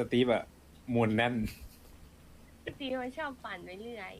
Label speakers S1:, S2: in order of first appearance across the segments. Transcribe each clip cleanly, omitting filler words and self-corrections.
S1: ตีฟอะมวลแน่น
S2: ตีมันชอบปั่นไปเรื่อย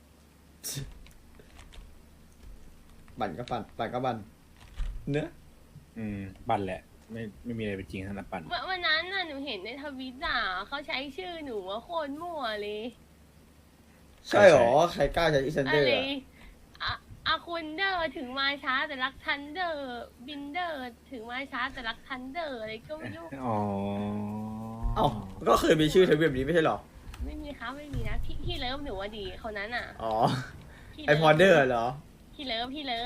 S3: ปั่นก็ปั่นปั่นก็ปั่นเนื้อะ
S1: ปั่นแหละ ไม่มีอะไรเป็นจริงทั้งนั้นปั่น
S2: วันนั้นน่ะหนูเห็นในทวิตอ่ะเขาใช้ชื่อหนูว่าโคตรมั่วเลย
S3: ใช่หรอใครกล้าใช้อีซัน
S2: อะ
S3: เดอร์
S2: ไร
S3: อะ
S2: อาคุณเดอร์ถึงมาช้าแต่รักทันเดอร์บินเดอร์ถึงมาช้าแต่รักทันเดอร์อะไรก็ไม่รู้
S1: อ๋อ
S3: เอ้าก็เคยมีชื่อทวีปนี้ไม่ใช่หรอ
S2: ไม่มีครับไม่มีนะพี่เลิฟหนูว่าดีคนนั้นอ่ะ
S3: อ๋อ
S2: พี่
S3: ไอพอเดอร์เหรอ
S2: พี่เลิฟ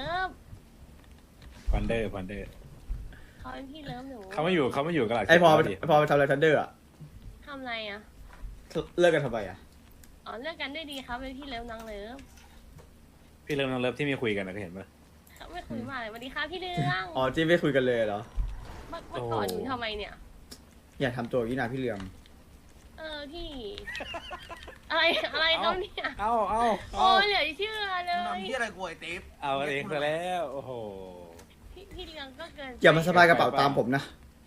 S1: พันเดอร์
S2: เขาเป็นพี่เลิฟหนู
S1: เขาไม่อยู่กันหลัก
S3: ไอพอ
S1: ดิ
S3: พอไปทำอะไรทันเดอร์อะ
S2: ทำอะไรอ่ะ
S3: เลิกกันทำไมอะ
S2: อ๋อเลิกกันได้ดีครับเป็นพี่เลิฟน้องเลิฟ
S1: พี่เลิฟน้องเลิฟที่มีคุยกันนะเคยเห็นปะ
S2: เขาไม่คุยมาเลยสวัสดีครับพี่เรื่อง
S3: อ๋อที่ไม่คุยกันเลยเหรอ
S2: เมื่อก่อนหนูทำไมเนี่ย
S3: อย่าทำตัวอย่างนี้นะพี่เหลือง
S2: พี่ อะไรเขาเนี่ย
S1: เอา
S2: โอ้เหลือเชื่อเล
S4: ทำ
S2: ย
S4: ที่อะไรกูไอ้ติ๊บ
S1: เอากันเองซะแล้ว โอ้โห
S2: พี่เรืองก็เกินไป
S3: อย่ามาสบายกระเป๋าตามผมนะ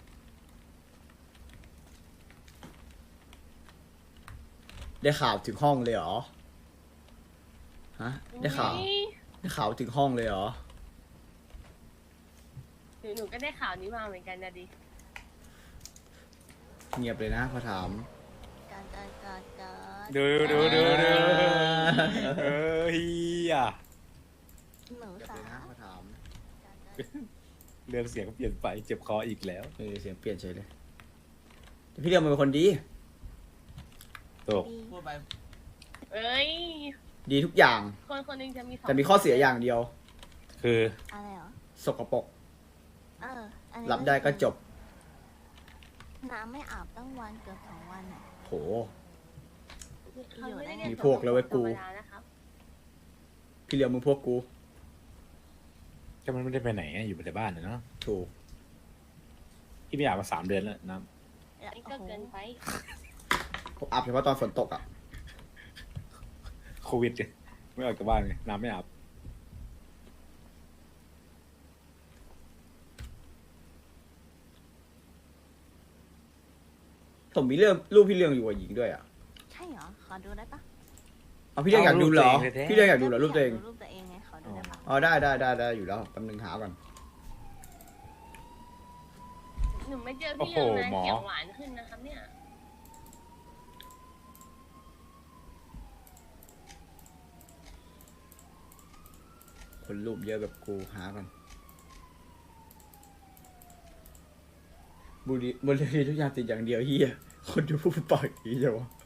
S3: ได้ข่าวถึงห้องเลยเหรอฮะได้ข่าว
S2: อุ๊ย
S3: ได้ข่าวถึงห้องเลยเหรอ
S2: หนูก็ได้ข่าวนี้มาเหมือนกันนะดิ
S3: เงียบเลยนะพอถาม
S1: ดูเฮีย
S5: หนู
S3: เงียบ
S5: สา
S3: เลยนะพอถาม
S1: เรื่องเสียงเปลี่ยนไปเจ็บคออีกแล้ว
S3: เสียงเปลี่ยนเฉยเลยแต่พี่เหลืองมันเป็นคนดี
S1: ตก
S4: พูดไป
S2: เอ้ย
S3: ดีทุกอย่าง
S2: คนหนึงจะมีสอง
S3: แต่มีข้อเสียอย่างเดียว
S1: คือ
S5: อะไรเหรอ
S3: สกปรก
S5: อันนี้
S3: รับได้ก็จบ
S5: น้ำไม่อาบตั้งวันเกือบ2 วันอ่ะ
S3: โห
S2: เขาไม่ได้เรีย
S3: มีพวกแล้วเว้ยกู
S2: ธรรมดานะครับ
S3: พี่เหลืองมึงพวกกู
S1: ก็มันไม่ได้ไปไหนอะอยู่แต่บ้านนะเนาะ
S3: ถูก
S1: พี่ไม่อยากมา3 เดือนแล้วน้
S2: นี่ก็เกินไป
S3: ผมอาบเฉพาะตอนฝนตกอ่ะ
S1: ำโควิดเลยไม่ออกจากบ้านเลยน้ำไม่อาบ
S3: ผมมีเรื่องรูปพี่เหลืองอยู่กับหญิงด้วยอ่ะ
S5: ใช่เหรอ ขอดูได้ปะ
S3: เอาพี่เหลืองอยากดูเหรอ พี่เหลืองอยากดูเหรอรูปตัวเอง
S5: รูปตัวเองไง ขอดูได้ปะ
S3: อ๋อได้อยู่แล้วแป๊บนึงหาก่อน
S2: หนูไม่เจอพี่เรืองนะ
S1: โอ้โหหมอ
S2: เขียวหวานขึ้นนะครับเนี่ย
S3: คนรูปเยอะแบบกูหาก่อนบุรีทุกอย่างติดอย่างเดียวเฮียคนดูผู้ปล่อยดีจังวะ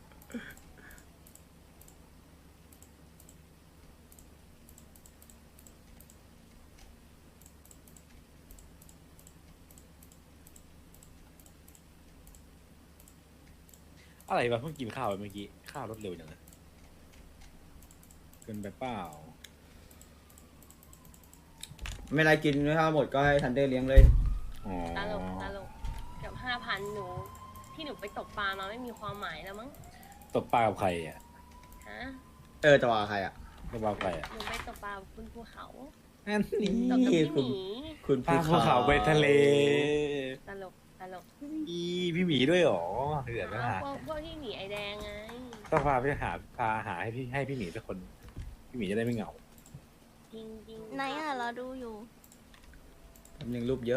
S1: อะไรวะเพิ่งกินข้าวไปเมื่อกี้ข้าวรสเร็วจังเลยเกินไปเปล่า
S3: ไม่ไรกินถ้าหมดก็ให้ทันเดอร์เลี้ยงเลย
S1: อ๋อ
S2: ตลกเกือบ5,000หนู ที่หนูไปตกปลามาไม่มีความหมายแล้วมั้ง
S1: ตบปลากับใครอ่ะ
S2: ฮะ
S3: จะว่าใครอ่ะ
S1: ตบปลากับใครอ่ะ
S2: หนูไปตกปลากับคุณภูเขา
S1: นั่นนี่
S2: ตกกับพี่ห
S3: คุณ
S2: มี
S3: คุณ
S1: ปลาภูเขาไปทะเล
S2: ตลก
S1: อีพี่หมีด้วยเหรอเดือดนะฮะ
S2: พวกพี่หมีไอแดงไง
S1: ต้องพาหาให้พี่หมีสักคน พี่หมีจะได้ไม่เหงา
S2: จริง
S5: ไหนอ่ะ เราดูอยู่
S3: แป๊บนึงรูปเยอะ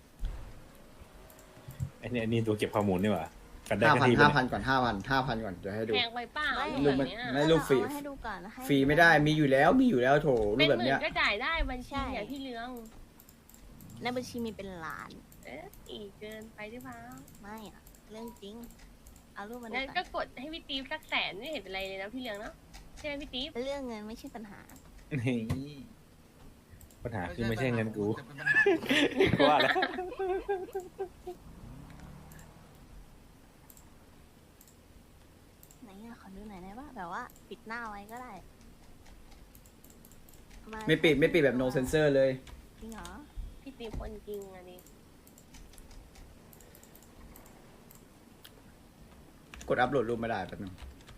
S1: ไอ้นี่ตัวเก็บข้อมูลนี่หว่ากันได้
S3: ห้า
S1: กัน
S3: พัน
S1: ที่
S3: ห้า
S1: ปะ
S3: พั
S1: เนี่ย
S3: นก่อน5,000ก่อนเดี๋ยวให้ดู
S2: แพงไปเปล่า
S5: ไม่
S3: รูปมัน
S2: แบบเนี้ย
S3: ไม่รูปฟรี
S5: เอาให้ดูก่อนให้
S3: ฟรีไม่ได้มีอยู่แล้วโถรู
S2: เป็
S3: ป
S2: น
S3: แบบ
S2: หมื่
S3: เนี้
S2: น
S3: ย
S2: ก็จ่ายได้บัญชีอย่างพี่เรือง
S5: ในบัญชีมีเป็นล้าน
S2: อีกเกินไปหรือเปล่า
S5: ไม่อ่ะ เรื่องจริง เอารูปมาดู
S2: งั้น
S5: ก่
S2: ก็
S5: อน
S2: กดให้พี่ตีฟสัก100,000ไม่เห็นเป็นไรเลยนะพี่เรืองเนาะใช่ไหมพี่ตีฟ
S5: เรื่องเงินไม่ใช่ปัญหา
S1: นี่ปัญหาคือไม่ใช่เงินกู
S4: แต่เป็นปัญหา
S1: กูว่าแล้ว
S5: ไหนอ่ะ ขอดูหน่อยได้ปะแบบว่าปิดหน้าไว้ก็ได้
S3: ไม่ปิดแบบ no censor เลย
S5: จริงเหรอ
S2: พี่ตีฟคนจริงอันนี้
S3: กดอัพโหลดรูปไม่ได้แป๊บนึง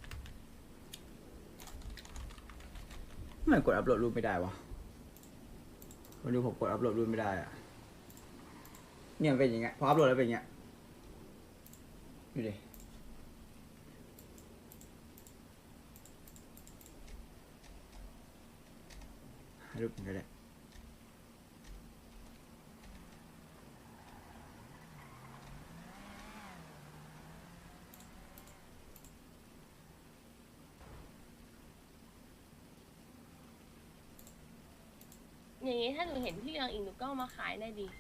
S3: ทำไมกดอัพโหลดรูปไม่ได้วะมาดูผมกดอัพโหลดรูปไม่ได้อะเนี่ยมันเป็นอย่างเงี้ยพออัพโหลดแล้วเป็นอย่างเงี้ยดูดิรูปมันก็ได้
S2: อย่างงี้ถ้าหนูเห็นพี่เรืองอีกหนูก็เอามาขายได้ดี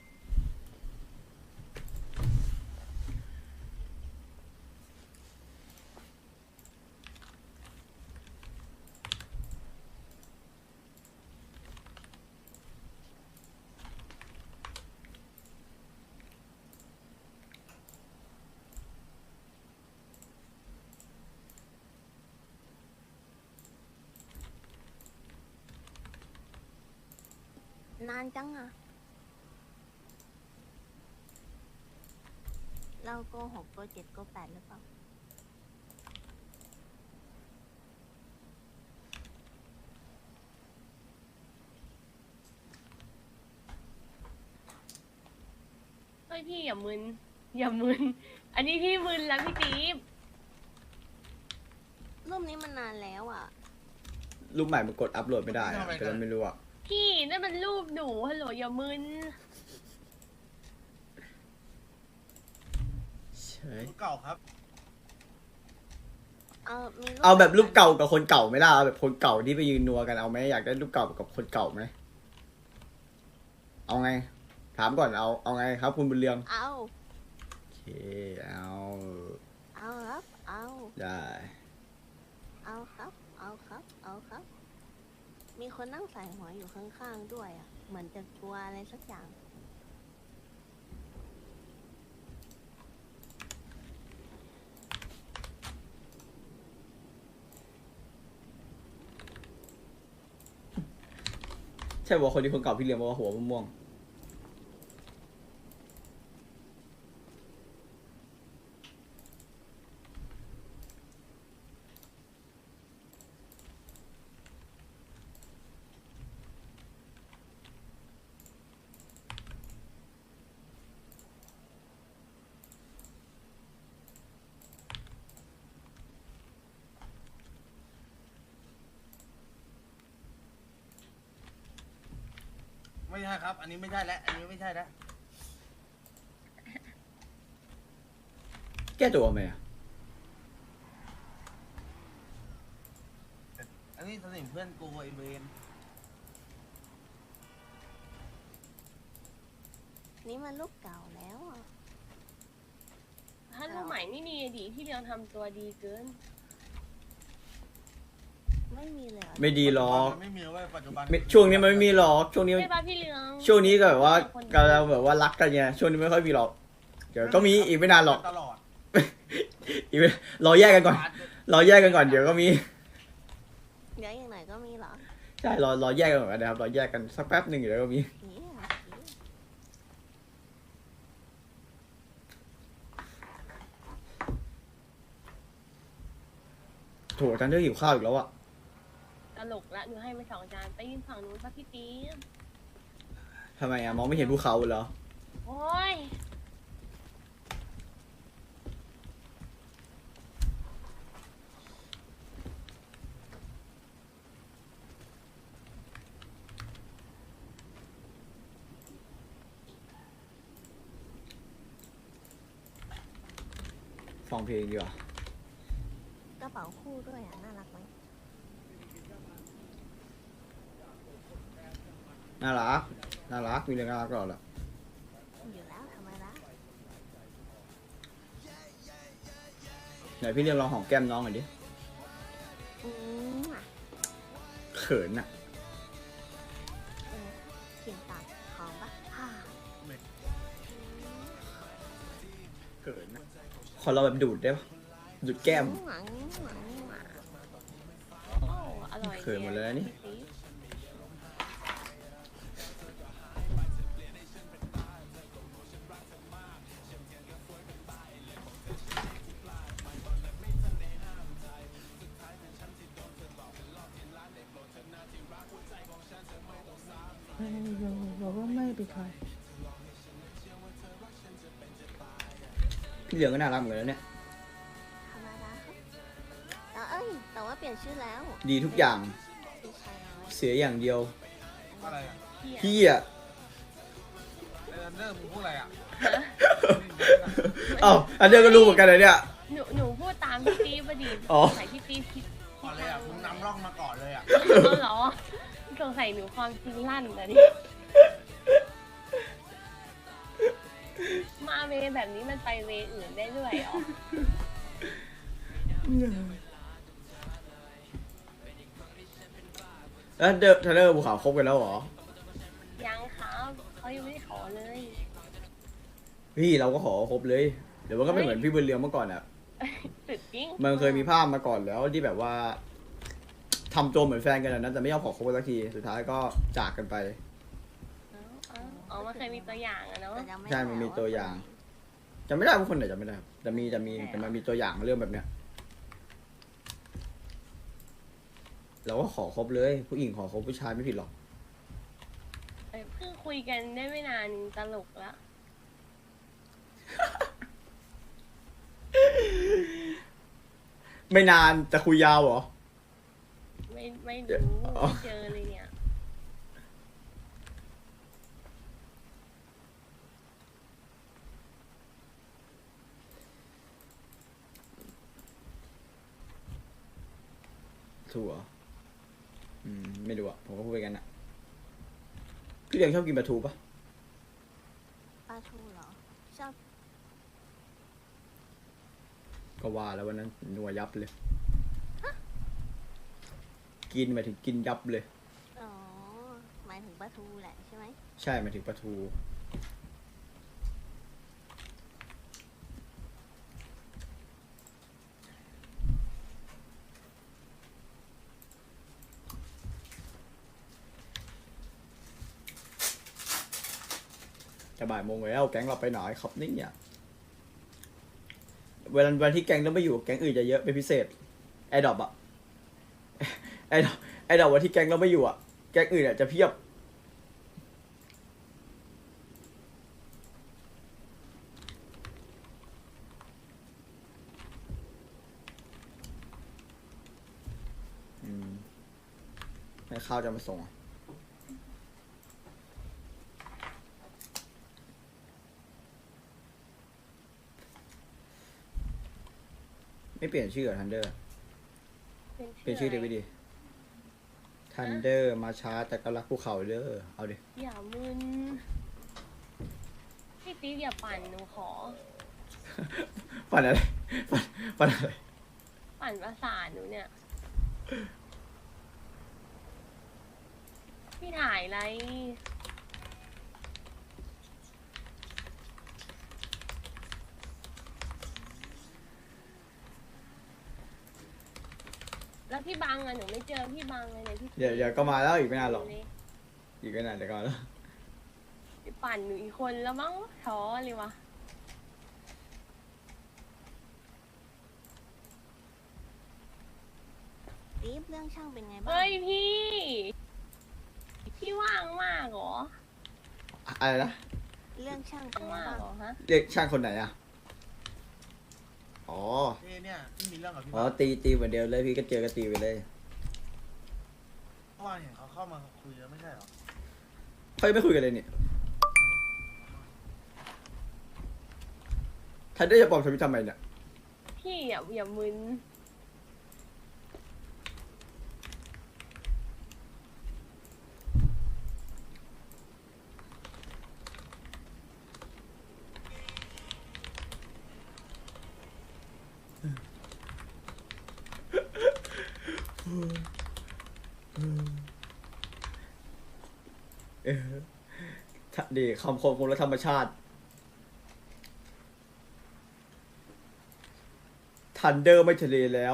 S5: นานจังอะเราโกหกโกเจ็ดโกแปดหรือเปล่า
S2: เฮ้ยพี่อย่ามึน อย่ามึน อันนี้พี่มึนแล้วพี่จี๊บ
S5: รูปนี้มันนานแล้วอะ
S3: รูปใหม่มันกดอัพโหลดไม่ได้อะแต่เราไม่รู้อะ
S2: พี่นั่นมันรูปหนูฮัลโหลอย่ามึน
S3: ใช่
S4: รูปเก่าครับ
S5: มีรูป
S3: เอาแบบรูปเก่ากับคนเก่าไหมล่ะเอาแบบคนเก่าที่ไปยืนนัวกันเอาไหมอยากได้รูปเก่ากับคนเก่าไหมเอาไง ถามก่อนเอาไงครับคุณบุญเรือง
S5: เอา
S3: โอเคเอา
S5: เอาครับเอา
S3: ได้
S5: เอาครับเอาครับเอาครับ มีคนนั่งใส่หัวอยู่ข้างๆด้วยอะเหมือนจะกลัวอะไรสักอย่าง
S3: ใช่บอกคนที่คนเก่าพี่เรืองบอกว่าหัวม่วง
S4: ไม่ใช่ครับ อันนี้ไม่ใช่แล้ว อันนี้ไม่ใช่แล้ว
S3: แก้ตัวไหมอะ
S4: อันนี้สนิมเพื่อนกูไอเวน
S5: นี่มันรูปเก่าแล้วอะ
S2: ถ้ารูปใหม่ไม่มีดีพี่เรืองทำตัวดีเกิน
S5: ไม่มีเลยเหรอ
S3: ไม่ดีหรอก
S4: มันไม่มีเว้ยปัจจุบัน
S3: ไม่ช่วงนี้มันไม่มีหรอกช่วงนี้
S2: ใช่ป่ะพี่เรือง
S3: ช่วงนี้ก็แบบว่ากำลังแบบว่ารักกันไงช่วงนี้ไม่ค่อยมีหรอกเดี๋ยวก็มีอีกไม่นานหรอก
S4: ตลอด
S3: อีกไม่รอแยกกันก่อนรอแยกกันก่อนเดี๋ยวก็มี
S5: เดี๋ยวอย่างไหนก็มีเหรอ
S3: ใช่รอแยกกันก่อนนะครับรอแยกกันสักแป๊บหนึ่งเดี๋ยวก็มี
S5: นี่อะ
S3: โถจันเดอร์หิวข้าวอีกแล้วอะ
S2: ตลกละหนูให้ไป2 จานไปยืนฝั่งนู้นป่ะพี่จี๊บ
S3: ทำไมอะมองไม่เห็นภูเขาเหรอ
S2: โอ้ย
S3: ฟังเพลงดีกว่าก
S5: ระเป๋าคู่ด้วยอะน่ารักไหม
S3: น่ารักน่ารักมีเรื่องน่ารักตลอดแหละ
S5: อยู่แล้วทำไมล่ะ
S3: ไหนพี่เรียกลองหอมแก้มน้องหน่อยดิ
S5: อืมอะ
S3: เขินอะ
S5: กลิ่นปากหอมปะฮ่า
S3: เขินอะขอเราแบบดูดได้ปะดูดแก้ม
S5: หวังหวังหวัง
S2: โอ้อร่อย
S3: เขินหมดเลยนะนี่
S2: พี่จี๊บ
S3: บอกว่าไม่เป็นใครพี่เหลืองก็น่ารักเหมือนกันนะเนี่ย
S5: ธรรมดาครับแต่ว่าเปลี่ยนชื่อแล้ว
S3: ดีทุกอย่าง
S5: พี่ชายน้อย
S3: เสียอย่างเดียว
S5: อ
S4: อะไรอ่ะ
S2: เหี้ย
S3: พี่อ่ะ
S4: ไอ้ทันเดอร์มึงพูดอะไรอ่ะ
S3: เอ้าอันเดียวก็รู้เหมือนกันเลยเนี่ย
S2: หนูพูดตามพี่ตีพอดี
S3: อ๋อ
S2: สงสัยพี่ตีคิด
S4: ก่อนเลยอ่ะมึงนำร่องมาก่อนเลยอ่ะ
S2: เอาเหรอสงสัยหนูความจริงลั่นแต่นี่มาเวแบบนี้มันไปเวอื่นได้ด้วยเหรอ
S3: แล้วเดอร์เทเลอร์ภูเขาคบกันแล้วเหรอ
S2: ยังครับเขายังไม่ได้ขอเลย
S3: พี่เราก็ขอคบเลย เดี๋ยวมันก็ไม่เหมือนพี่บุญเรืองเมื่อก่อนอ่ะ
S2: สุดจริง
S3: มันเคยมีภาพมาก่อนแล้วที่แบบว่าทำตัวเหมือนแฟนกันนะแต่ไม่ยอมขอคบกันสักทีสุดท้ายก็จากกันไป
S2: อ๋อมันเคยมีตัวอย่างอะเนาะ
S5: แต่จำไม่
S3: ใช่
S5: ได้
S3: มันมี
S5: า
S3: ตัวอย่างจำไม่ได้ว่าคนไหนจำไม่ได้ครับแต่มันมีตัวอย่างเรื่องแบบเนี้ยเราก็ขอคบเลย ผู้หญิงขอคบผู้ชายไม่ผิดหรอก
S2: เพิ่งคุยกันได้ไม่นานตลกละ
S3: ไม่นานแต่คุยยาวเหรอ
S2: ไม่รู้
S3: อ๋อ
S2: ไม่เจอเลยเนี่ย
S3: ถูกเหรอไม่รู้อ่ะผมก็พูดไปกันอ่ะพี่เลี้ยงชอบกินปลาทูปะ
S5: ปลาทูเหรอ ชอบ
S3: ก็ว่าแล้ววันนั้นนัวยับเลย กินหมายถึงกินยับเลย
S5: อ๋อ หมายถึงปลาทูแหละใช่ไหม
S3: ใช่หมายถึงปลาทูจะบ่ายโมงแล้วแก๊งเราไปไหนครับนี่เนี่ยวันที่แก๊งเราไม่อยู่แก๊งอื่นจะเยอะเป็นพิเศษไอดอบอะ ไอดอบวันที่แก๊งเราไม่อยู่อะแก๊งอื่นอะจะเพียบให้ข้าวจะมาส่งอะไม่เปลี่ยนชื่อเหรอทันเดอร์ เปลี่ยนชื่อเดวิดดิทันเดอร์มาช้าแต่ก็รักภูเขาเด้อเอาดิ
S2: อย่ามึนพี่ติ๊กอย่าปั่นหนูขอ
S3: ฝันอะไรฝันอะไร
S2: ปั่นประสาทหนูเนี่ย พี่ถ่ายอะไร แล้วพี่บังอะหนูไม่เจอพี่บังเลยเนี่ยพี่
S3: เดี๋ยวก็มาแล้วอีกไม่นานหรอกอีกไม่นานเดี๋ยวก็มาแล้ว
S2: พี่ปั่นหนูอีกคนแล้วมั้งท้อเลยวะ
S5: รีบเรื่องช่างเป็นไงบ้าง
S2: เฮ้ยพี่ พี่ว่างมากเหรอ
S3: อะไรนะ
S5: เรื่องช่างเป็นไง
S2: ว่างมาก
S5: บ้าง
S2: เหรอฮะ
S3: เรียกช่างคนไหนอ่ะอ๋อ
S4: เนี่ยที่มีเรื่องกับพี่
S3: อ๋อ
S4: บ้า
S3: ตีเหมือนเดิมเลยพี่ก็เจอก็ตีไปเลย
S4: เมื่อวานเห็นเขาเข้ามาคุยแล้วไม่ใช่เหรอ
S3: เขายังไม่คุยกันเลยเนี่ยทันเดอร์จะปลอมทวิตทำไมเนี่ย
S2: พี่อย่ามึน
S3: ดีคำคมและธรรมชาติทันเดอร์ไม่ทะเลแล้ว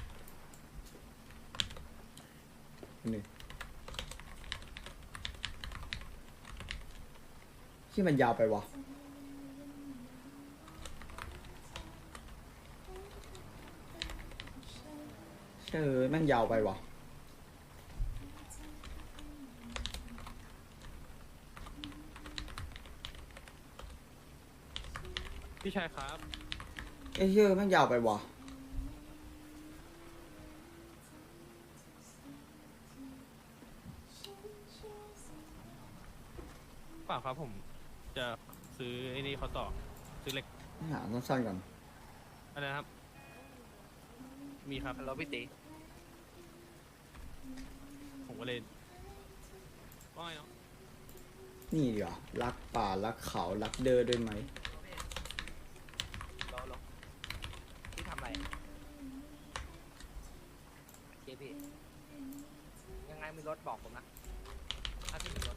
S3: นี่ที่มันยาวไปวะแม่งยาวไปวะ
S1: พี่ชายครับ
S3: เอ้ยแม่งยาวไปวะ
S6: ล่าครับผมจะซื้อไอ้นี่เขาต่อซื้อเหล็ก
S3: หาสั้นๆก่อน
S6: อะไรนะครับ มีครับแล้วพี่ตีผมก็เลยว่าไงเนาะ
S3: นี่ดีกว่ารักป่ารักเขารักเดอด้วยไหม
S7: รอพี่ทำอะไรเจพี่ยังไงมีรถบอกผมนะถ้าพี่มีรถ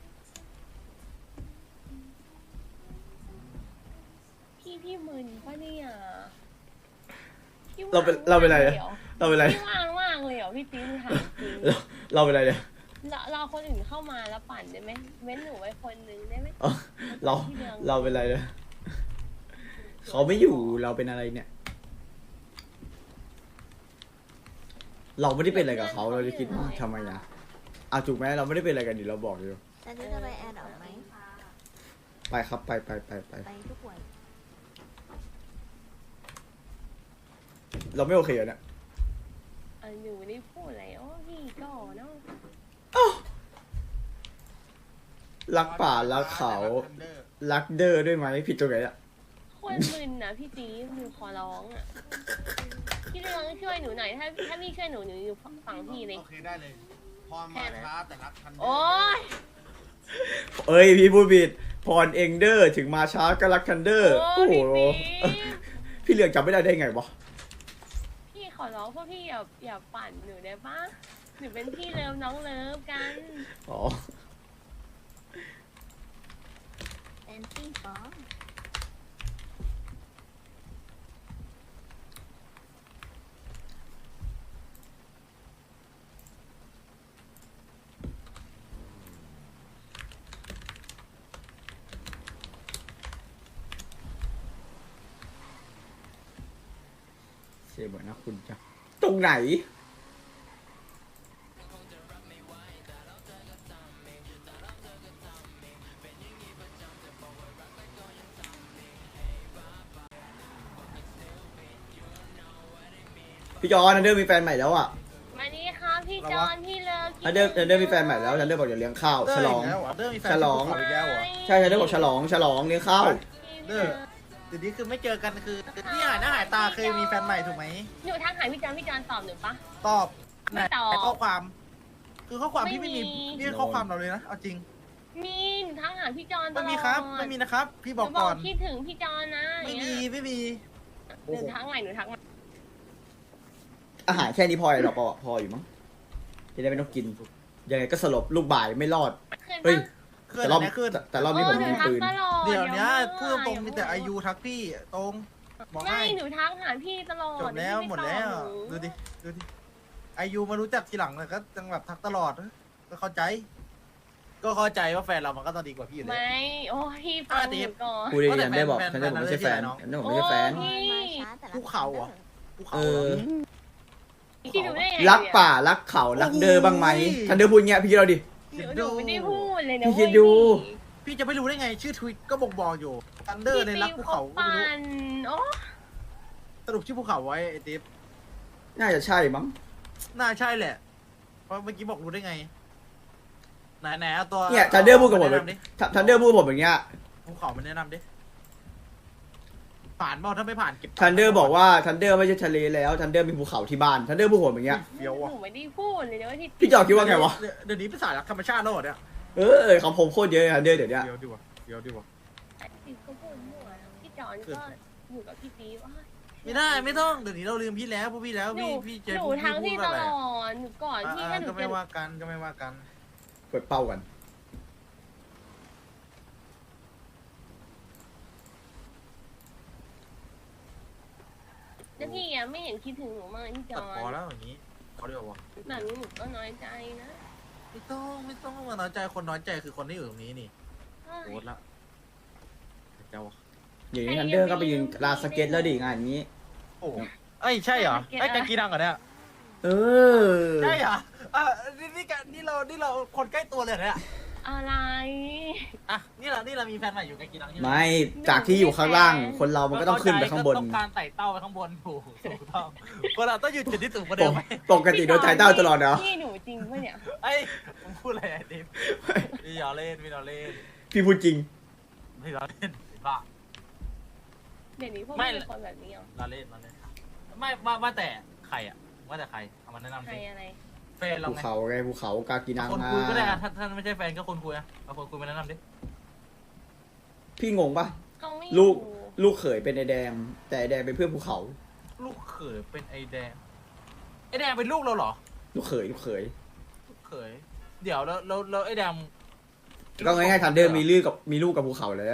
S2: พี่มึนปะเนี่ยพี่
S3: เราเป็นไรเนี่ย
S2: หรอ
S3: เราเป็นไร
S2: พี่ว่างมากเลยเหรอพี่ตีหนูถามจริง
S3: เราเป็นไรเนี่ย
S2: เราคนอื่นเข้ามาแล้วปั่นได้ไหมเว้นหนูไว้คนนึงได้ไหม
S3: เอ้าเราเป็นไรเนี่ยเขาไม่อยู่เราเป็นอะไรเนี่ย เราไม่ได้เป็นอะไรกับเขาเราจะคิดว่าทำไมนะถูกไหมเราไม่ได้เป็นอะไรกันดิเราบอกอยู่
S5: แต่นี่จะไปแอร์ดอกไหม
S3: ไปครับไป
S5: ไปทุกวัน
S3: เราไม่โอเคอ่ะเนี่ย
S2: หนูไม่ได้พูดอะไรโอ้พี่ก็เนาะ
S3: รักป่ารักเขารักเดอด้วยไหมผิดตรงไหนอ่ะ
S2: คนมึนนะพี่ตีหนูขอร้องอ่ะพี่เรืองช่วยหนูหน่อยถ้าพี่ช่วยหนูอยู่ฝั่งพี่เลย
S4: โอเคได้เลยพรมาช้าแต่รักทันเดอร์
S2: โอ๊ย
S3: เอ้ยพี่พูดผิดพรเองเดอร์ถึงมาช้าก็รักทันเดอร์
S2: โอ้
S3: โอ้
S2: ย
S3: โห
S2: พี่ตี
S3: พี่เหลืองจำไม่ได้ไงวะ
S2: พี่ขอร้องพวกพี่อย่าปั่นหนูได้ปะหนูเป็นพี่เลิฟน้องเลิฟกัน
S3: อ๋อ
S5: เป็นปิ้งปอง
S3: เสียเหมือนนะคุณจ้ะตรงไหนพี่จอนทันเดอร์มีแฟนใหม่แล้วอ่ะ
S2: มานี่ครับพี่จอนพี่เลิฟ
S3: ทันเดอร์มีแฟนใหม่แล้วทันเดอร์บอกเดี๋ยวเลี้ยงข้าวฉลอง
S4: เดอร์มีแฟน
S3: ฉลอง
S4: ที่ภูเขาอีกแล้วเหรอ
S3: ใช่ทันเดอร์บอกฉลองเลี้ยงข้าว
S4: เดอร์เดี๋ยวนี้คือไม่เจอกันคือนี่หายหน้าหายตาเคยมีแฟนใหม่ถูกไหม
S2: หนูทักหาพี่จอนตอบหนูปะ
S4: ตอบ
S2: ไม่ตอบ
S4: ไหนข้อความ คือข้อความที่
S2: ไม่
S4: ไม่
S2: มี
S4: มีนี่ข้อความเราเลยนะเอาจริง
S2: มีหนูทักหาพี่จอนตลอ
S4: ไม่
S2: ด
S4: มีครับไม่มีนะครับ พี่บอก
S2: หนู
S4: ก่อน
S2: คิดถึงพี่จอนนะ
S4: ไม่
S2: อย่าง
S4: มี
S2: เงี้ย
S4: ไม่มี
S2: หนูทักใหม่หนูทักใหม่
S3: อาหารแค่นี้พอหรอพออยู่มั้งจะได้ไม่ต้องกินยังไงก็สลบลูกบ่ายไม่รอด
S2: ขึ้น
S3: เฮ้ย
S2: ปะ
S4: เคลื่อน
S3: แต่รอบ
S4: ไหนขึ้น
S3: แต่รอบนี้ผม
S2: หนู
S3: มี
S2: ทัก
S3: ปืน
S2: ตลอด
S4: เดี๋ยวเนี้ยพูด
S2: มั่
S4: ตรงมีแต่อายุทักพี่ตรงบอก
S2: ไม่
S4: ให้
S2: หนูทักหาพี่ตลอด
S4: จบแล้ว
S2: พี่
S4: หมด
S2: ไตอบ
S4: แล้ว
S2: หนู
S4: ดูดิอายุมารู้จักทีหลังเลยก็จังแบบทักตลอดก็เข้าใจ ก็เข้าใจว่าแฟนเรามันก็ต้องดีกว่าพี่อยู่แล้ว
S2: ไม่โอ้พี่ฟังหนูก่อน
S3: กูดี
S4: ว่าแต่
S3: ทันเดอร์บอก
S4: แฟน
S3: ทันเดอร์ผมไม่ใช่แฟน
S4: แฟน
S3: ทันเดอร์ผมไม่ใช่แฟน
S2: โอ้
S5: มาช้าแต่รัก
S4: ภูเขาเหรอ ภูเขา
S3: เอ
S4: เหร
S3: อ
S4: อ
S2: พี่หนูได้ไง
S3: รักป่ารักเขารักเดอบ้างไหมทันเดอร์พูดเงี้ยพี่เราดิ
S2: หนูไม่ได้พูดเลยนะ
S3: พี่คิดดู
S4: พี่จะไม่รู้ได้ไงชื่อทวิตก็บอกอยู่ทันเดอร์ในรักภูเขาก็
S2: ปั่
S4: ไม่รู้
S2: นโอ้
S4: สรุปชื่อภูเขาไว้ไอ้ติ๊บ
S3: น่าจะใช่มั้ง
S4: น่าใช่แหละ เพราะเมื่อกี้บอกรู้ได้ไง ไหนเอาตัว
S3: เนี่ยทันเดอร์พูดกับผม
S4: แนะนำดิ
S3: ทันเดอร์พูดกับผมอย่างเงี้ย
S4: ภูเขามันแนะนำดิ ผ่านเปล่าถ้าไม่ผ่านเก็บ
S3: ทันเดอร์บอกว่าทันเดอร์ไม่ใช่ทะเลแล้วทันเดอร์มีภูเขาที่บ้านทันเดอร์พูดผมอย่างเงี้ย
S4: เฟี้ยวว่ะ
S2: หนูไม่ได้พูดเลยนะว่าที่
S3: พี่จอดคิดว่าไงวะ
S4: เดี๋ยวนี้เป็นสายรักธรรมชาติแล้วเหรอเนี่ย
S3: ของผมโคตรเยอะทันเดอร์เดี๋ยวเนี้ย
S4: เฟี้ยวดีว่ะเฟี้ยวดีว่ะ
S2: พี่ก็พูดมั่วพี่จอนก็อยู่กับพี่ปีว่า
S4: ไม่ได้ไม่ต้องเดี๋ยวนี้เราลืมพี่แล้วพวกพี่แล้ว
S2: หนู
S4: พี่เจ
S2: หนู
S4: พูด
S2: ทั้ง
S4: พู
S2: พี่
S4: ด
S2: ต
S4: อะไร
S2: ลอดหนูก่อนที่ถ้าหนู
S4: ก็ไม่
S2: จะ
S4: ว่ากันก็ไม่ว่ากัน
S3: กดเป้ากัน
S2: แล้วพี่อะไม่เห็นคิดถึงหนูมากพี่จ
S4: ตั
S2: อ
S4: ด
S2: น
S4: พอแล้วอย่างนี้เขาเรียกว่า
S2: แบบนี้หนูก็น้อยใจนะ
S4: ไม่ต้องมาน้อยใจคนน้อยใจคือคนที่อยู่ตรงนี้นี่โคตรละเจ้า
S3: อย่างนี้ทันเดอร์ก็ไปยืนลานสเก็ตแล้วดิงานนี้
S4: โอ้เอ้ยใช่เหรอไอ้กากีดังเหรอเนี่ย
S3: เออ
S4: ใช่เหรอนี่เราคนใกล้ตัวเลยเนี่ย
S2: อะไร
S4: อ่ะนี่เรามีแฟนใหม่อยู่กากีดังใช่ไหม
S3: ไม่จากที่อยู่ข้างล่าง คนเรามันก็ต้องขึ้นไปข้างบน
S4: ต้องการไต่เต้าไปข้างบนถูกต้องคนเราต้องอยู่จุดที่สูงกว่าเดิมไหม
S3: ปกติโดนใจเต้าตลอดเนาะ
S2: พี่หนูจริงปะเนี่ย
S4: ไอ้ผมพูดอะไรไอ้ดิมพี่ล้อเล่น
S3: พี่พูดจริง
S4: ไม่เราเล่นไอ้บ้า
S2: เดี๋ยวนี้พวก
S4: ไม่
S2: พี่เป็นคนแบบนี้เหรอ
S4: เราเล่นไม่ว่าแต่ใครอ่ะว่าแต่ใครเอามาแนะนำ
S2: ใคร
S4: สิ
S2: อะไร
S4: แฟนเรา
S3: ภู
S4: ไง
S3: เขาไงภูเขากากีนัง
S4: คน
S3: มา
S4: คุยก็ได้อะถ้าไม่ใช่แฟนก็คนคุยอะเอาคนคุยมาแนะนำดิ
S3: พี่งงปะ
S2: เขาไม่
S3: ลูก
S2: อยู่
S3: ลูกเขยเป็นไอแดง แต่ไอแดงเป็นเพื่อนภูเขา
S4: ลูกเขยเป็นไอแดงไอแดงเป็นลูกเราเหรอ
S3: ลูกเขย
S4: ลูกเขยเดี๋ยวแล้วไอแดง
S3: ก็ง่ายๆทันเดอร์มีลูกกับภูเขาแล้ว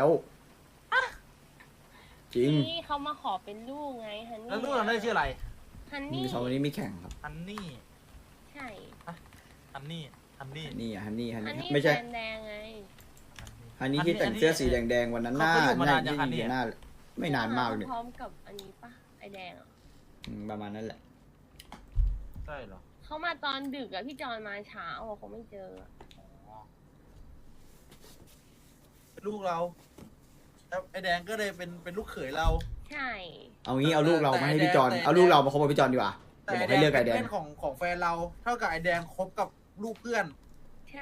S3: จริง
S2: นี่เขามาขอเป็นลูกไงฮันนี่
S4: แล้วลูกเราได้ชื่ออะไร
S2: ฮัน
S3: มี
S2: นี่
S3: สองคนนี้มีแข่งครับ
S4: ฮันนี่
S2: ใช่
S4: ฮันนี่
S3: ฮันนี่
S2: ฮันนี่
S3: ไม่ใช่
S2: แฟนแดงไง
S3: ฮันนี่ที่แต่งเสื้อสีแดงๆวันนั้นหน้าไม่นานมากเลย
S2: พร้อมกับอันนี้ปะไอแดงอะ
S3: ประมาณนั้นแหละ
S4: ใช่เหรอ
S2: เขามาตอนดึกอะพี่จอนมาเช้าอะเขาไม่เจออะ
S4: ลูกเราแล้วไอแดงก็เลยเป็นลูกเขยเรา
S2: ใช่
S3: เอางี้เอาลูกเรามาให้พี่จอน
S4: แต่
S3: เอาลูกเรามาคบกับพี่จอนดีกว่า
S4: แต่
S3: เดี๋ยว
S4: ไอ
S3: บอก
S4: แด
S3: ให้
S4: ง
S3: เลือกไอ
S4: เป็น
S3: แดง
S4: เพื่อนของแฟนเรา เท่ากับไอแดงคบกับลูกเพื่อน
S2: ใช่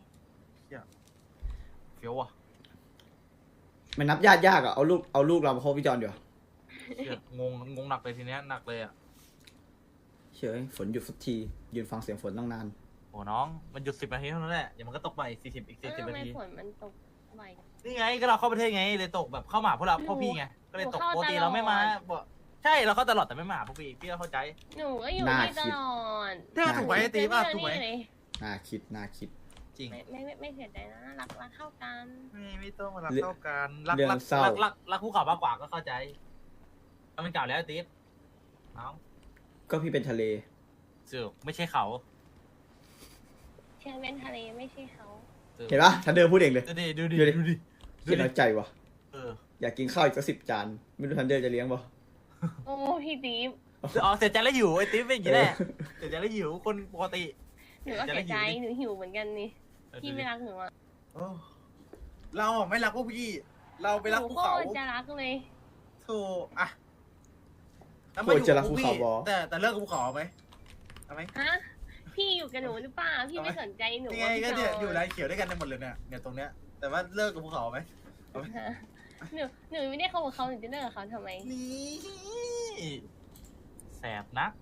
S4: เฟี้ยวว่ะ
S3: มันนับญาติยากอะเอาลูกเรามาคบพี่จอนดีกว่า
S4: เชี่ยงงหนักเลยทีเนี้ยหนักเลยอ่ะ
S3: เชื่อฝนหยุดสักทียืนฟังเสียงฝนตั้งนาน
S4: โอ้น้องมันหยุด10 นาทีเท่านั้นแหละเดี๋ยวมันก็ตกไป40อีก
S2: เออ
S4: 40
S2: ทำ
S4: นา
S2: ไม
S4: ที
S2: ฝนมันตกไว
S4: นี่ไงก็เราเข้าประเทศไงเลยตกแบบเข้ามาหาพวกเราพ่อพี่ไงก็เลยตก
S2: หนู
S4: ป
S2: เข้าก
S4: ติ
S2: ตลอด
S4: เราไม่มาบอกใช่เราเข้าตลอดแต่ไม่มาหาพวกพี่ก็เข้าใจ
S2: หนูก็อยู่นี่ตลอด
S4: ถ้าถูกไหมไอ้ตีป่ะถูกไหม
S2: เจอพี่เลย
S3: น่าคิด
S4: จริง
S2: ไม่เสียใจนะรักเข้ากัน
S4: ไม่ต้องมารัก
S3: เรื่อง
S4: เท่ากัน
S3: เรื่องเศร้า
S4: รักคู่เขามากกว่าก็เข้าใจแล้วมันเก่าแล้วไอ้ตีน้อง
S3: ก็พี่เป็นทะเล
S4: เสือกไม่ใช่เขา
S2: เชียงเป็นทะเลไม่ใช่เขา
S3: เห็นปะทันเดอร์พูดเองเลย
S4: ดูดิ
S3: เห็นแล้วใจวะ
S4: เออ
S3: อยากกินข้าวอีกสัก10 จาน ไม่รู้ทันเดอร์จะเลี้ยงปะ
S2: โอ้พี่ตีฟ
S4: อ๋อเสียใจแล้วหิวไอ้ตีเป็นอย่างนี้แหละเสียใจแล้วหิวคนปกติ
S2: หนูก็เสียใจหนูหิวเหมือนกันนี่พี่ไม่รักหนูอะ
S4: โอ้เราอ่ะไม่รักพวกพี่ เราไปรัก
S2: หนู
S4: ภู
S2: ก็
S4: เขา
S2: จะรักเลย
S4: โธ่อะแล้ว
S3: โค
S4: มา
S3: ต
S4: อ
S3: ร
S4: ยู่
S3: จะ
S4: กั
S3: รับ
S4: บพ
S3: ภู
S4: วก
S3: เขา
S4: พี่
S3: บอ
S4: แต่เลิกกับภูเขาไหมเอาไหม
S2: ฮะพี่อยู่กับหนูหรือเปล่าพี่ไม่สนใจหนู
S4: นี่ไงก็เนี่ยอยู่ไรเขียวด้วยกันในหมดเลยเนี่ยตรงเนี้ยแต่ว่าเลิกกับภูเขาไหม
S2: ฮะหนูไม่ได้เข้ากับเขาหนูจะเลิกกับเขาทำไม
S4: นี่แสบนัก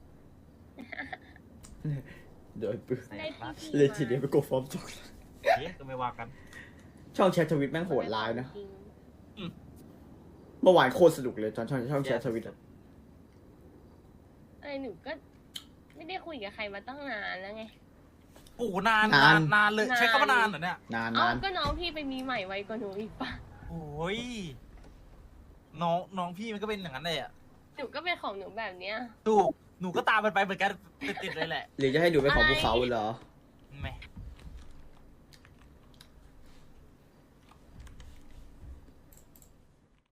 S3: โดยปืน
S4: แส
S2: ได้
S4: บนัก
S2: พี่
S3: เลยทีเดียวไปกดฟอร์มจอก
S4: เอ๊ะก็ไม่ว่ากัน
S3: ช่องแชททวิตแม่งโหดร้ายนะ
S2: จริง
S3: เมื่อวานโคตรสนุกเลยตอนช่องแชททวิตอะ
S2: อะไรหนูก็ไม่ได้คุยกับใครมาตั้งนานแล้วไง
S4: โอ้โหนานเลยใช้คำว่านานเหรอเนี่ย
S3: นาน
S2: เอ้าก็น้องพี่ไปมีใหม่ไวกว่าหนูอีกปะ
S4: โอ้ยน้องพี่มันก็เป็นอย่างนั้นเลยอ่ะ
S2: หนูก็เป็นของหนูแบบเนี้ย
S4: ถูกหนูก็ตามมันไปเหมือนกันติดเลยแหละ
S3: หรือจะให้ดูเป็นของภูเขาเหรอ
S4: แหม่